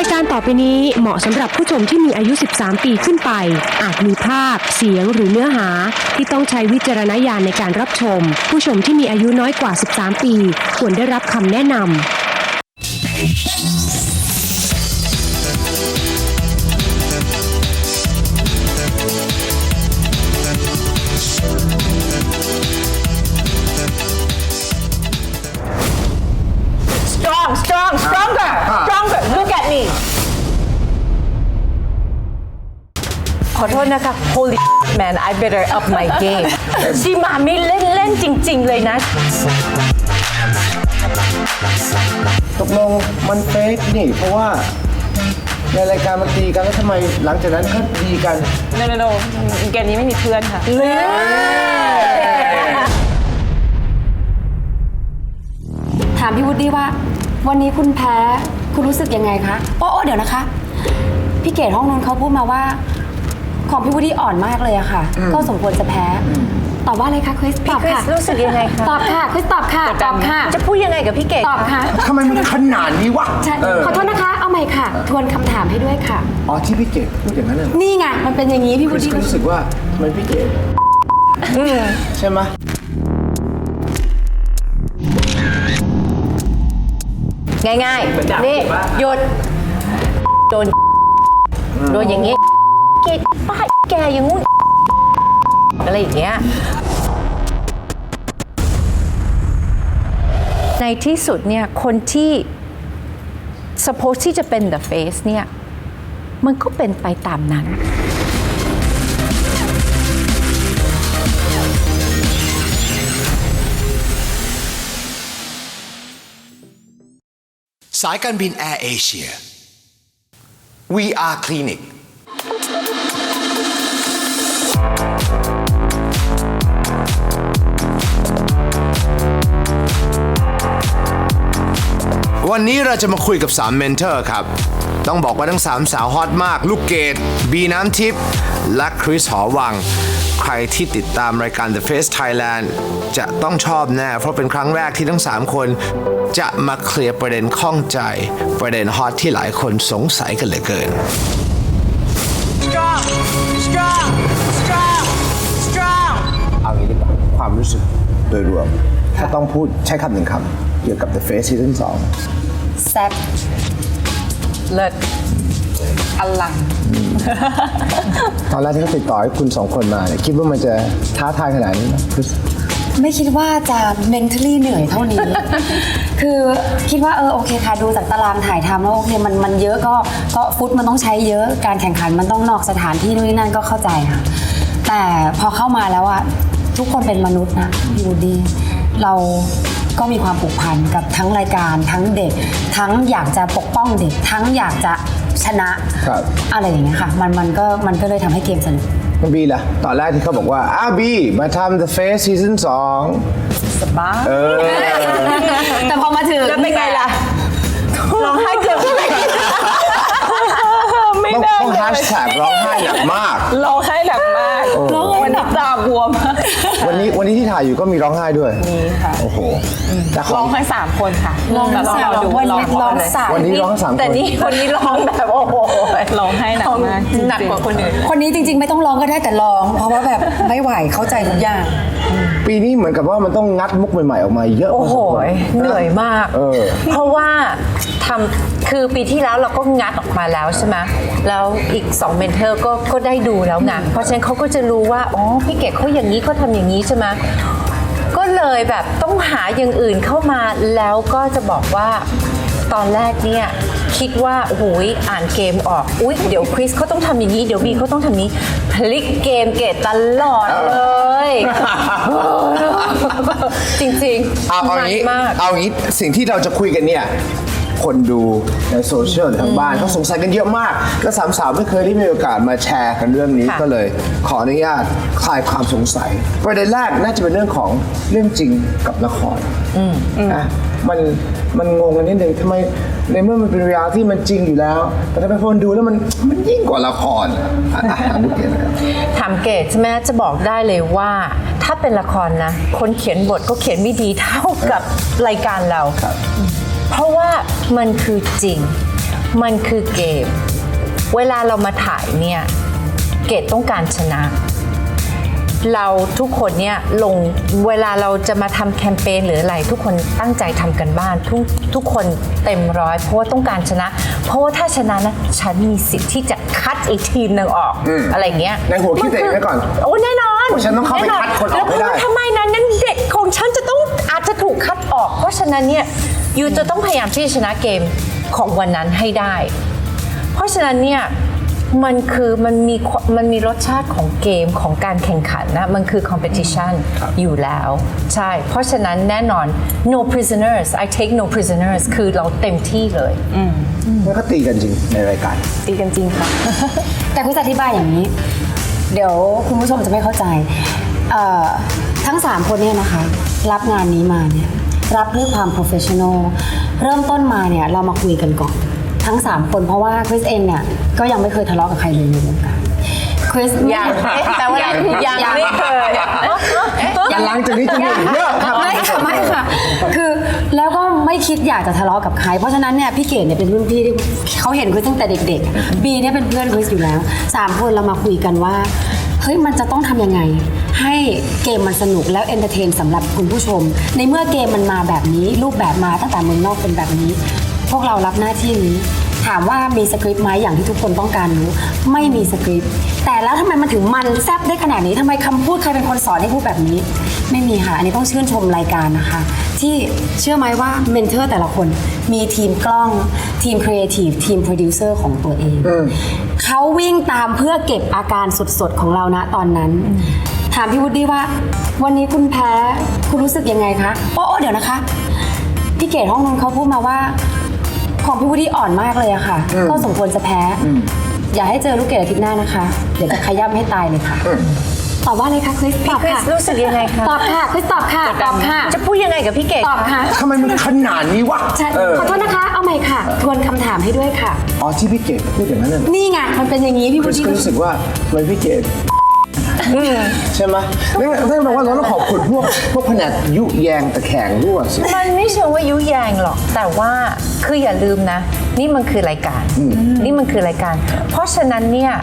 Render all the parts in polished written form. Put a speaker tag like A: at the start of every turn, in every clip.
A: ายการต่อไปนี้เหมาะสำหรับผู้ชมที่มีอายุ 13 ปีขึ้นไป อาจมีภาพ เสียงหรือเนื้อหาที่ต้องใช้วิจารณญาณในการรับชม ผู้ชมที่มีอายุน้อยกว่า 13 ปีควรได้รับคำแนะนำ
B: stronger look at me ขอโทษนะคะ holy man I better up my game ซีมาไม่เล่นจริงๆเลยนะ
C: ตกลงมันเฟกนี่เพราะว่าในรายการมันตีกันแล้วทำไมหลังจากนั้นก็ดีกัน
B: no เกมนี้ไม่มีเพื่อนค่ะ
D: ถามพี่วูดดี้ว่าวันนี้คุณแพ้คุณรู้สึกยังไงคะโอ้เดี๋ยวนะคะพี่เกดห้องนู้นเขาพูดมาว่าของพี่วูดดี้อ่อนมากเลยอะค่ะก็สมควรจะแพ้ตอบว่าอะไรคะคริสตอบค่ะ
B: รู้สึกยังไงคะ
D: ตอบค่ะคริสตอบค่ะตอบค่ะ
B: จะพูดยังไงกับพี่เกด
D: ตอบค่ะ
C: ทำไมมันขนาดนี้วะ
D: ใช่ขอโทษนะคะเอาใหม่ค่ะทวนคำถามให้ด้วยค่ะ
C: อ๋อที่พี่เกดพูดอย่างนั้นเลย
D: นี่ไงมันเป็นอย่างนี้พี่วูดดี้
C: รู้สึกว่าทำไมพี่เกดใช่ไหม
B: ง่ายๆนี่หยุดโดนอย่างงี้เกดป้าแกอย่างงู้นอะไรอย่างเงี้ยในที่สุดเนี่ยคนที่ suppose ที่จะเป็น the face เนี่ยมันก็เป็นไปตามนั้น
E: สายการบินแอร์เอเชีย VR Clinic วันนี้เราจะมาคุยกับ3เมนเทอร์ครับ ต้องบอกว่าทั้ง3สาวฮอตมาก ลูกเกด บีน้ำทิพย์ และคริสหอวัง ใครที่ติดตามรายการ The Face Thailand จะต้องชอบแน่ เพราะเป็นครั้งแรกที่ทั้ง3คนจะมาเคลียร์ประเด็นข้องใจ ประเด็นฮอตที่หลายคนสงสัยกันเหลือเกิน
B: strong
C: เอางี้ดีกว่าความรู้สึกโดยรวมถ้าต้องพูดใช้คำหนึ่งคำเกี่ยวกับ The Face Season 2
D: แซ่บ
B: เลิศอลัง
C: ตอนแรกที่เขาติดต่อให้คุณ2คนมาเนี่ยคิดว่ามันจะท้าทายขนาดนี้ไหม
D: ไม่คิดว่าจะ mentally เหนื่อยเท่านี้ คือคิดว่าโอเคค่ะดูจากตารางถ่ายทำแล้วโอเคมันเยอะก็ฟุตมันต้องใช้เยอะการแข่งขันมันต้องนอกสถานที่นู่นนี่นั่นก็เข้าใจค่ะแต่พอเข้ามาแล้วอะทุกคนเป็นมนุษย์นะพี่วูดดี้เราก็มีความผูกพันกับทั้งรายการทั้งเด็กทั้งอยากจะปกป้องเด็กทั้งอยากจะชนะอะไรอย่างเงี้ยค่ะมันก็เลยทำให้เกมสนุก
C: คุณบีล่ะตอนแรกที่เขาบอกว่าบีมาทำ The Face Season 2
B: สบาย
D: แต่พอมาถึง
B: แล้วเป็นไงล่ะร้องไห้เกือบไม่ได้
C: ต้องแฮชแท็กร้องไห้หนักมาก
B: ร้องไห้หนักมากวันนี้ตาบวม
C: วันนี้ที่ถ่ายอยู่ก็มีร้องไห้ด้วย
B: มีค่ะ
C: โอ้โห
B: ร้องไห้3คนค่ะ
D: ร้อง3วันนี้ร้อง3
C: วันนี้ร้อง3คน
B: แต่นี่คนนี้ร้องแบบโอ้โหร้องไห้หนักมากหนักกว่าคนอื่น
D: คนนี้จริงๆไม่ต้องร้องก็ได้แต่ร้องเพราะว่าแบบไม่ไหวเข้าใจทุกอย่าง
C: ปีนี้เหมือนกับว่ามันต้องงัดมุกใหม่ๆออกมาเยอะ
B: โอ้โหเหนื่อยมากเพราะว่าคือปีที่แล้วเราก็งัดออกมาแล้วใช่ไหมแล้วอีก2เมนเทอร์ก็ได้ดูแล้วไงเพราะฉะนั้นเขาก็จะรู้ว่าอ๋อพี่เก๋เขาอย่างนี้เขาทำอย่างนี้ใช่ไหมก็เลยแบบต้องหาอย่างอื่นเข้ามาแล้วก็จะบอกว่าตอนแรกเนี่ยคิดว่าโอ้โหอ่านเกมออกอุ๊ยเดี๋ยวคริสเขาต้องทำอย่างนี้เดี๋ยวบีเขาต้องทำนี้พลิกเกมเกตตลอดเลยจริงๆ
C: เอางี้สิ่งที่เราจะคุยกันเนี่ยคนดูในโซเชียลทางบ้านเขาสงสัยกันเยอะมากและสามสาวไม่เคยได้มีโอกาสมาแชร์กันเรื่องนี้ก็เลยขออนุญาตคลายความสงสัยประเด็นแรกน่าจะเป็นเรื่องของเรื่องจริงกับละครนะมันงงกันนิดนึงทำไมในเมื่อมันเป็นเรียลที่มันจริงอยู่แล้วแต่ถ้าเป็นคนดูแล้วมันยิ่งกว่าละคร
B: ถามเกดใช่ไหมจะบอกได้เลยว่าถ้าเป็นละครนะคนเขียนบทก็เขียนไม่ดีเท่ากับรายการเราเพราะว่ามันคือจริงมันคือเกม เวลาเรามาถ่ายเนี่ย เกดต้องการชนะ เราทุกคนเนี่ยเวลาเราจะมาทำแคมเปญหรืออะไรทุกคนตั้งใจทำกันบ้านทุกคนเต็มร้อยเพราะว่าต้องการชนะ เพราะว่าถ้าชนะนะฉันมีสิทธิ์ที่จะคัดอีกทีมหนึ่งออกอะไรเงี้ย
C: ในหัวคิดตัวเองไว้ก่อน
B: โอ้แน่นอน
C: ว่าฉันต้องเข้าไปคัดคนออกให้ได้
B: แล้วทำไมนั้นเด็กของฉันจะต้องอาจจะถูกคัดออก เพราะฉะนั้นเนี่ยยูจะต้องพยายามที่จะชนะเกมของวันนั้นให้ได้ เพราะฉะนั้นเนี่ยมันมีรสชาติของเกมของการแข่งขันนะมันคือ competition อยู่แล้วใช่เพราะฉะนั้นแน่นอน no prisoners I take no prisoners คือเราเต็มที่เลย
C: แล้วก็ตีกันจริงในรายการ
D: ตีกันจริงค่ะ แต่คุณจะอธิบายอย่างนี้ เดี๋ยวคุณผู้ชมจะไม่เข้าใจทั้ง 3 คนเนี่ยนะคะ รับงานนี้มาเนี่ยรับด้วยความ professional เริ่มต้นมาเนี่ยเรามาคุยกันก่อนทั้ง 3 คนเพราะว่าคริสเองเนี่ยก็ยังไม่เคยทะเลาะกับใครเลยในวงการคริส
B: ยังแต่ว่ายังไม่เคย
C: แต่หลังจากนี้จะมีอีกเยอะครับ
D: ไม่ค่ะคือแล้วก็ไม่คิดอยากจะทะเลาะกับใครเพราะฉะนั้นเนี่ยพี่เกดเนี่ยเป็นรุ่นพี่ที่เขาเห็นคริสตั้งแต่เด็กๆบีเนี่ยเป็นเพื่อนคริสอยู่แล้ว3 คนเรามาคุยกันว่าเฮ้ยมันจะต้องทำยังไงให้เกมมันสนุกแล้วเอนเตอร์เทนสำหรับคุณผู้ชมในเมื่อเกมมันมาแบบนี้รูปแบบมาตั้งแต่เมืองนอกเป็นแบบนี้พวกเรารับหน้าที่นี้ถามว่ามีสคริปต์ไหมอย่างที่ทุกคนต้องการรู้ไม่มีสคริปต์แต่แล้วทำไมมันถึงมันแซ่บได้ขนาดนี้ทำไมคำพูดใครเป็นคนสอนให้พูดแบบนี้ไม่มีค่ะอันนี้ต้องชื่นชมรายการนะคะที่เชื่อไหมว่าเมนเทอร์แต่ละคนมีทีมกล้องทีมครีเอทีฟทีมโปรดิวเซอร์ของตัวเองเขาวิ่งตามเพื่อเก็บอาการสดๆของเรานะตอนนั้นถามพี่วุฒิว่าวันนี้คุณแพ้คุณรู้สึกยังไงคะโอ้เดี๋ยวนะคะพี่เกดห้องนู้นเขาพูดมาว่าของพี่วุฒิอ่อนมากเลยอะค่ะก็สมควรจะแพ้อย่าให้เจอลูกเกดอาทิตย์หน้านะคะเดี๋ยวจะขย้ำให้ตายเลยค่ะตอบว่าเลยค่ะคริสตอบ
B: คริ
D: ค่ะ
B: สรู้สึกยังไงคะ
D: ตอบค่ะคริสตอบค่ะตอบค่ะ
B: จะพูดยังไงกับพี่เกด
D: ตอบค่ะ
C: ทำไมมันขนาดนี้วะ
D: ใช่ขอโทษนะคะเอาใหม่ค่ะทวนคำถามให้ด้วยค่ะ
C: อ๋อที่พี่เกดพูดอย่างนั้นน่ะ
D: นี่ไงมันเป็นอย่างนี้พี่
C: ค
D: วุ
C: ริส
D: ฒิ
C: ก็รู้สึกว่าทำไมพี่เกดใช่ไหมนั่นแปลว่าเราต้องขอบคุณพวกแผนกยุแยงตะแคงรั่วสิ
B: มันไม่เชิงว่ายุแยงหรอกแต่ว่าคืออย่าลืมนะนี่มันคือรายการนี่มันคือรายการ เพราะฉะนั้นเนี่ย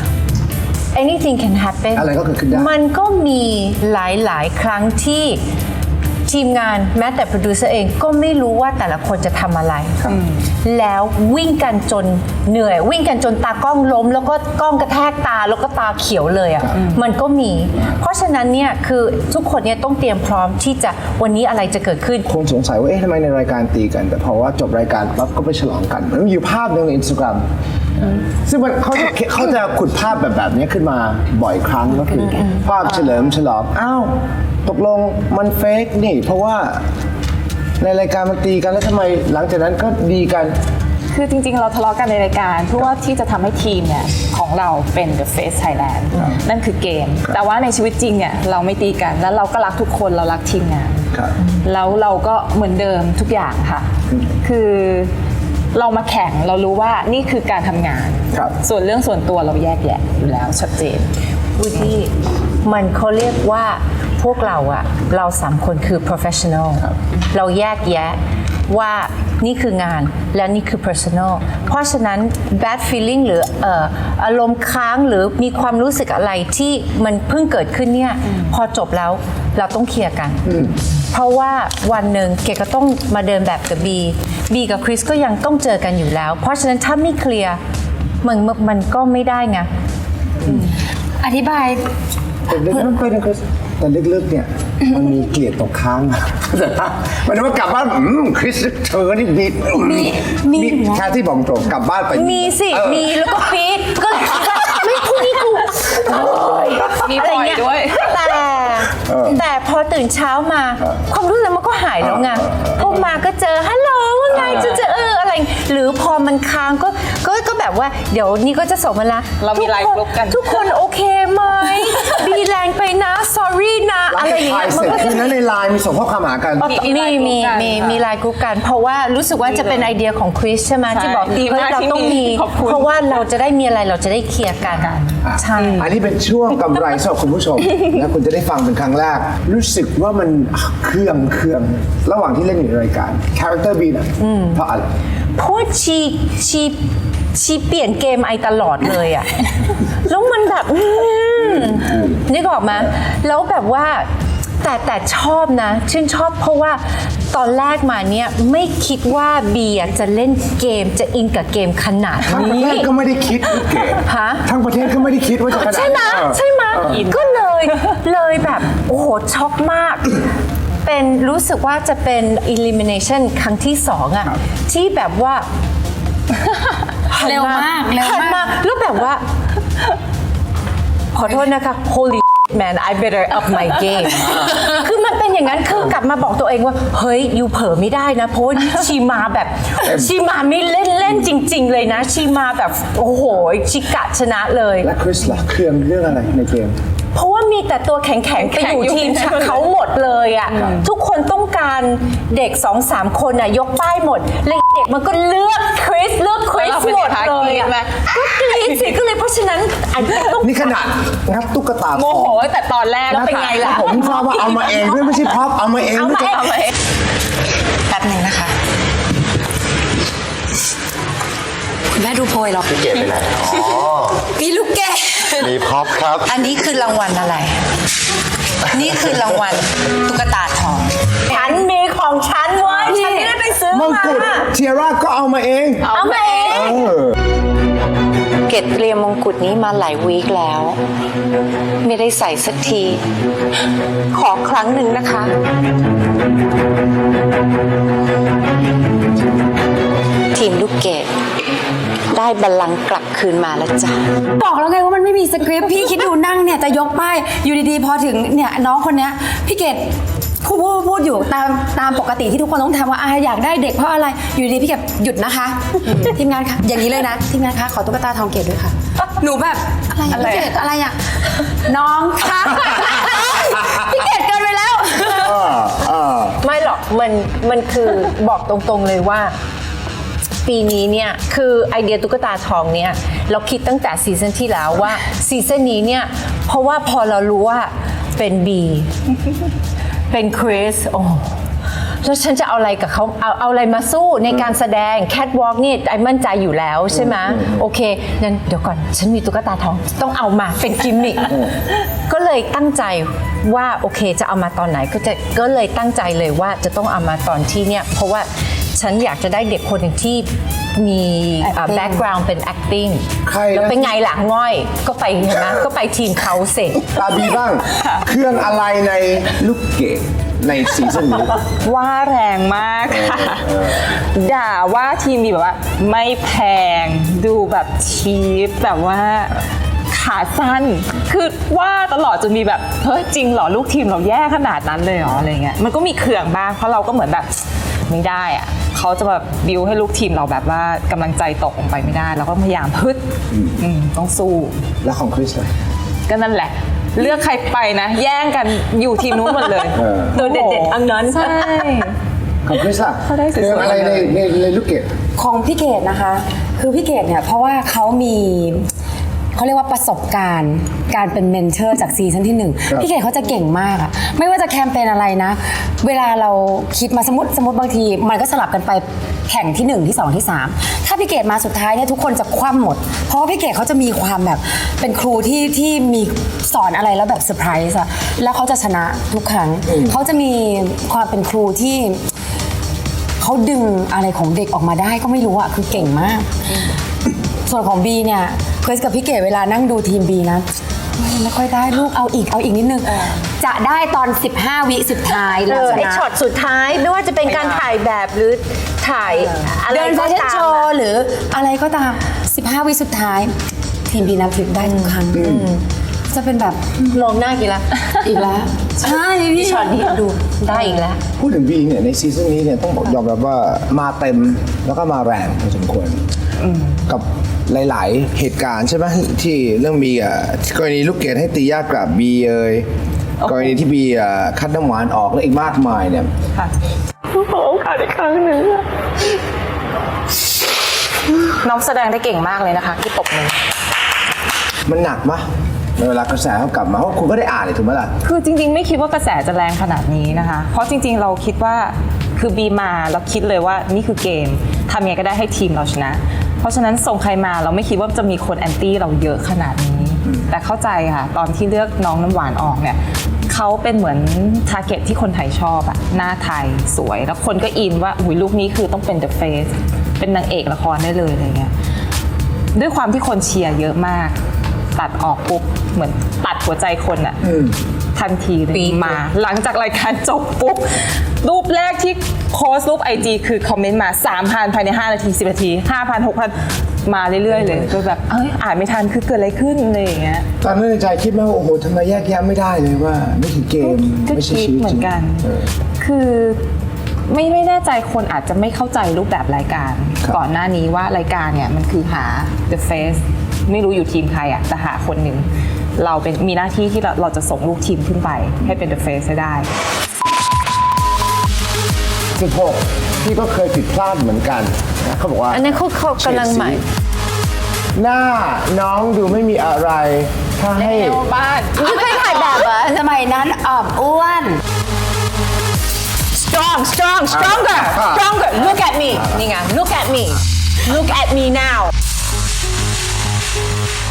B: anything can happen
C: อะไรก็เกิดขึ้นได้
B: มันก็มีหลายๆครั้งที่ทีมงานแม้แต่โปรดิวเซอร์เองก็ไม่รู้ว่าแต่ละคนจะทำอะไร แล้ววิ่งกันจนเหนื่อย วิ่งกันจนตากล้องล้ม แล้วก็กล้องกระแทกตาแล้วก็ตาเขียวเลยอ่ะมันก็มี เพราะฉะนั้นเนี่ยคือทุกคนเนี่ยต้องเตรียมพร้อมที่จะวันนี้อะไรจะเกิดขึ้น
C: คงสงสัยว่าเอ๊ะทำไมในรายการตีกัน แต่พอว่าจบรายการปั๊บก็ไปฉลองกันมันมีอยู่ภาพหนึงใน Instagram ซึ่งเขาจะขุดภาพแบบนี้ขึ้นมาบ่อยครั้งก็คือภาพเฉลิมฉลองอ้าวตกลงมันเฟกนี่ เพราะว่าในรายการมันตีกันแล้วทำไมหลังจากนั้นก็ดีกัน
F: คือจริงๆ เราทะเลาะกันในรายการเพื่อว่าที่จะทำให้ทีมเนี่ยของเราเป็น The Face Thailand นั่นคือเกม แต่ว่าในชีวิตจริงเนี่ยเราไม่ตีกันแล้วเราก็รักทุกคนเรารักทีมงาน
C: ครับ
F: แล้วเราก็เหมือนเดิมทุกอย่างค่ะ คือเรามาแข่งเรารู้ว่านี่คือการทำงาน
C: ครับ
F: ส่วนเรื่องส่วนตัวเราแยกแยะอยู่แล้วชัดเจน
B: วุฒิมันเขาเรียกว่าพวกเราอะเรา3 คนคือ professional เราแยกแยะว่านี่คืองานและนี่คือ personal เพราะฉะนั้น bad feeling หรืออารมณ์ค้างหรือมีความรู้สึกอะไรที่มันเพิ่งเกิดขึ้นเนี่ยพอจบแล้วเราต้องเคลียร์กัน เพราะว่าวันหนึ่งเกก็ต้องมาเดินแบบกับบีกับคริสก็ยังต้องเจอกันอยู่แล้ว เพราะฉะนั้นถ้าไม่เคลียร์มันก็ไม่ได้ไง
D: อธิบาย
C: แต่ลึกๆเนี่ยมันมีเกลียดตกค้างมันว่ากลับบ้านคริสเธอนี่ดี
D: มีอยู่นะ
C: แค่ที่บอกตรงกลับบ้านไป
B: มีสิมีแล้วก็ปี๊ดก็ไม่พูดนี่กู
F: มีปล่อยด้วย
B: แต่พอตื่นเช้ามาความรู้สึกมันก็หายแล้วไงพอมาก็เจอฮัลโหลว่าไงจะอะไร หรือพอมันค้างก็แบบว่าเดี๋ยวนี้ก็จะส่งมาละ
F: เรามีไลน์กรุ๊ปกัน
B: ทุกคนโอเคไหมบีแรงไปนะ sorry นะอะไรอย่างเงี้ย
C: เสร็จคืนนั้นในไลน์มีส่งข้อความหากัน
B: มีไลน์กรุ๊ปกันเพราะว่ารู้สึกว่าจะเป็นไอเดียของคริสใช่ไหมที่บอก
F: ดี
B: เฮ้ย
F: มาก
B: เรา
F: ที่
B: ต้อง
F: มี
B: มี
F: ขอบคุณ
B: เพราะว่าเราจะได้มีอะไรเราจะได้เคลียร์กันใช่
C: อันนี้เป็นช่วงกำไรสำหรับคุณผู้ชม และคุณจะได้ฟังเป็นครั้งแรก รู้สึกว่ามันเครื่องระหว่างที่เล่นอยู่ในรายการคาแรคเตอร์บีนะเพราะอะไร
B: เพราะว่าชีเปลี่ยนเกมไอตลอดเลยอะ แล้วมันแบบนึกออกไหมแล้วแบบว่าแต่ชอบนะชื่นชอบเพราะว่าตอนแรกมาเนี่ยไม่คิดว่าเบียร์จะเล่นเกมจะอินกับเกมขนาด
C: ทั้งประ
B: นี้
C: เทศก็ไม่ได้คิดลูกเกด
B: ฮะ
C: ทั้งประเทศก็ไม่ได้คิดว่าจะขนาด
B: ใช่ไหม
C: นั้น
B: ใช่ไหมก็เลยแบบโอ้โหช็อกมาก เป็นรู้สึกว่าจะเป็น elimination ครั้งที่สองอะที่แบบว่า
D: เร็วมากเร็วมาก
B: หันแล้วแบบว่า ขอโทษนะคะ holy man I better up my game คือมันเป็นอย่างนั้นคือกลับมาบอกตัวเองว่า เฮ้ยยูเผลอไม่ได้นะ เพราะว่าชีมาแบบชีมาไม่เล่นจริง ๆ เลยนะ ชีมาแบบโอ้โหชิกะชนะเลย
C: และคริสล่ะเครื่องเรื่องอะไรในเกม
B: เพราะว่ามีแต่ตัวแข็งๆ ไปอยู่ทีมเขาหมดเลยอ่ะทุกคนต้องการเด็ก 2-3 คนอ่ะยกป้ายหมดเลยเด็กมันก็เลือกคริสหมดเลยอ่ะก็กรี๊ดสิก็เลยเพราะฉะนั้นอันนี้ต้อง
C: นี่ขนาดงับตุ๊กตา
F: โมโหตั้งแต่ตอนแรกแล้วเป็นไงล่ะ
C: ผมทราบว่าเอามาเองด้วยไม่ใช่พ็อปเอามาเอง
B: เอามาเอง
D: แป๊บหนึ่งนะคะคุณแม่ดูโพยหรอ
G: เก็บไปไหนอ๋อ
D: มีลูกแกะ
G: มีพ็อปครับ
B: อันนี้คือรางวัลอะไร นี่คือรางวัลตุ๊กตาทองฉันมีของฉันเว้ยฉันไม่ได้ไปซื้อ
C: มง
B: มา
C: กุฎเทียร่าก็เอามาเอง
B: เอามาเอง เกดเตรียมมงกุฎนี้มาหลายวีคแล้ว ไม่ได้ใส่สักที ขอครั้งหนึ่งนะคะ ทีมลูกเกดได้บัลลังก์กลับคืนมาแล้วจ้ะ
D: บอกแล้วไงว่ามันไม่มีสคริปต์พี่คิดดูนั่งเนี่ยจะยกป้ายอยู่ดีๆ พอถึงเนี่ยน้องคนเนี้ยพี่เกดพูดอยู่ตามปกติที่ทุกคนต้องทำว่าอยากได้เด็กเพราะอะไรอยู่ดีๆพี่เกดหยุดนะคะ ทีมงานค่ะอย่างนี้เลยนะทีมงานคะขอตุ๊กตาทองเกดด้วยค่ะ หนูแบบอะไรพี่เกดอะไรอ่ะน้องคะพี่เกดเกินไปแล้ว
B: ไม่หรอกมันคือบอกตรงๆเลยว่า ปีนี้เนี่ยคือไอเดียตุ๊กตาทองเนี่ยเราคิดตั้งแต่ซีซั่นที่แล้วว่าซีซั่นนี้เนี่ยเพราะว่าพอเรารู้ว่าเป็นบีเป็นคริสโอ้แล้วฉันจะเอาอะไรกับเขาเอาอะไรมาสู้ในการแสดงแคทวอล์กนี่ไอมั่นใจอยู่แล้วใช่ไหมโอเคงั้นเดี๋ยวก่อนฉันมีตุ๊กตาทองต้องเอามาเป็นกิมมิคก็เลยตั้งใจว่าโอเคจะเอามาตอนไหนก็เลยตั้งใจเลยว่าจะต้องเอามาตอนที่เนี่ยเพราะว่าฉันอยากจะได้เด็กคนหนึ่งที่มีแบ็กกราวด์เป็น acting
C: ใครนะ
B: แล้วเป็นไงล่ะง่อยก็ไปเห็นไหมก็ไปทีมเขาเสร็จ
C: ตาบีบ้าง เครื่องอะไรในลูกเกดในซีซั่นนี้
F: ว่าแรงมากค่ะ ด่าว่าทีมมีแบบว่าไม่แพงดูแบบชีพแบบว่าขาสั้น คือว่าตลอดจนมีแบบเฮ้ยจริงเหรอลูกทีมเราแย่ขนาดนั้นเลยเหรออะไรเงี้ยมันก็มีเขื่องบ้างเพราะเราก็เหมือนแบบไม่ได้อะเขาจะแบบบิวให้ลูกทีมเราแบบว่ากำลังใจตกลงไปไม่ได้เราก็พยายามพึดต้องสู้
C: แล้วของคริสล่ะ
F: ก็นั่นแหละ เลือกใครไปนะ แย่งกันอยู่ทีมนู้นหมดเลย
B: ตัวเด็ดๆอันนั้น
F: ใช่
C: ของคริสล่ะ
F: เขาได้สวยๆ
C: เครื่องอะไรในลูกเกด
D: ของพี่เกดนะคะ คือพี่เกดเนี่ยเพราะว่าเขามีเขาเรียกว่าประสบการณ์การเป็นเมนเทอร์จากซีซั่นที่ 1 พี่เกดเขาจะเก่งมากอะไม่ว่าจะแคมเปญอะไรนะ เวลาเราคิดมาสมมติบางทีมันก็สลับกันไปแข่งที่ 1 ที่ 2 ที่ 3 ถ้าพี่เกดมาสุดท้ายเนี่ยทุกคนจะคว่ำหมด เพราะว่าพี่เกดเขาจะมีความแบบเป็นครูที่มีสอนอะไรแล้วแบบเซอร์ไพรส์อะแล้วเขาจะชนะทุกครั้งเขาจะมีความเป็นครูที่เขาดึงอะไรของเด็กออกมาได้ก็ไม่รู้อะคือเก่งมาก ส่วนของบีเนี่ยคริสกับพี่เก๋เวลานั่งดูทีมบีนะไม่ค่อยได้ลูกเอาอีกนิดนึงจะได้ตอน 15 วิสุดท้ายแล้วช
B: ไอ
D: นะ
B: ช็อตสุดท้ายไม่ว่าจะเป็นการถ่ายแบบหรือถ่ายอะไร
D: เดินแฟ
B: ก็
D: ชั่น
B: ตาม
D: โชว์หรืออะไรก็ตาม 15 วิสุดท้าย ทีมบีนับทิพย์ได้ทุกครั้งจะเป็นแบบ
B: มองหน้ากี่ละ
D: อีกแล้วใช่พี่
B: ช็อตนี้ดูได้อีกแล้ว
C: พูดถึงบีเนี่ยในซีซั่นนี้เนี่ยต้องบอกยอมรับว่ามาเต็มแล้วก็มาแรงพอสมควรกับหลาย ๆ เหตุการณ์ใช่ไหมที่เรื่องบีกรณีลูกเกดให้ตียากกลับบีกรณีที่บีคัดน้ำหวานออกและอีกมากมายเนี่ย
F: ค่ะขอโอกาสอีกครั้งหนึ่งน้องแสดงได้เก่งมากเลยนะคะที่ปกมือ
C: มันหนักมะในเวลากระแสเขากลับมาเพราะคุณก็ได้อ่านเลยถูกไหมล่ะ
F: คือจริงๆ ไม่คิดว่ากระแสจะแรงขนาดนี้นะคะ เพราะจริงๆ เราคิดว่าคือบีมาเราคิดเลยว่านี่คือเกมทำยังไงก็ได้ให้ทีมเราชนะ เพราะฉะนั้นส่งใครมาเราไม่คิดว่าจะมีคนแอนตี้เราเยอะขนาดนี้ แต่เข้าใจค่ะตอนที่เลือกน้องน้ำหวานออกเนี่ยเขาเป็นเหมือนทาร์เก็ตที่คนไทยชอบอะหน้าไทยสวยแล้วคนก็อินว่าอุ้ยลูกนี้คือต้องเป็น The Face เป็นนางเอกละครได้เลยอะไรเงี้ยด้วยความที่คนเชียร์เยอะมาก ตัดออกปุ๊บเหมือนตัดหัวใจคนอะทันทีเลยมาหลังจากรายการจบปุ๊บรูปแรกที่โพสต์รูป IG คือคอมเมนต์มา 3,000 ภายใน 5 นาที 10 นาที 5,000 6,000 มาเรื่อยๆเลยก็แบบอ่านไม่ทันคือเกิดอะไรขึ้นอะไรอย่างเงี้ย
C: ตอนนั้นในใจคิดไหมว่าโอ้โหทำไมแยกแยะไม่ได้เลยว่านี่คือเกม
F: ก็
C: ไม่ใช่
F: คิด
C: ชีวิต
F: เหมือนกัน คือไม่แน่ใจคนอาจจะไม่เข้าใจรูปแบบรายการ ก่อนหน้านี้ว่ารายการเนี่ยมันคือหา The Face ไม่รู้อยู่ทีมใครอะแต่หาคนหนึ่งเราเป็นมีหน้าที่ที่เราจะส่งลูกทีมขึ้นไปให้เป็น The Face ให้ได้
C: 16พี่ก็เคยผิดพลาดเหมือนกันนะเขาบอกว่า
B: อันนั้นเขากำลังใหม่
C: หน้าน้องดูไม่มีอะไรถ้าให้
B: ไม่เคยถ่ายแบบเหรอ
D: สมัยนั้นออบอ้วน
B: stronger look at me นี่ไง look at me now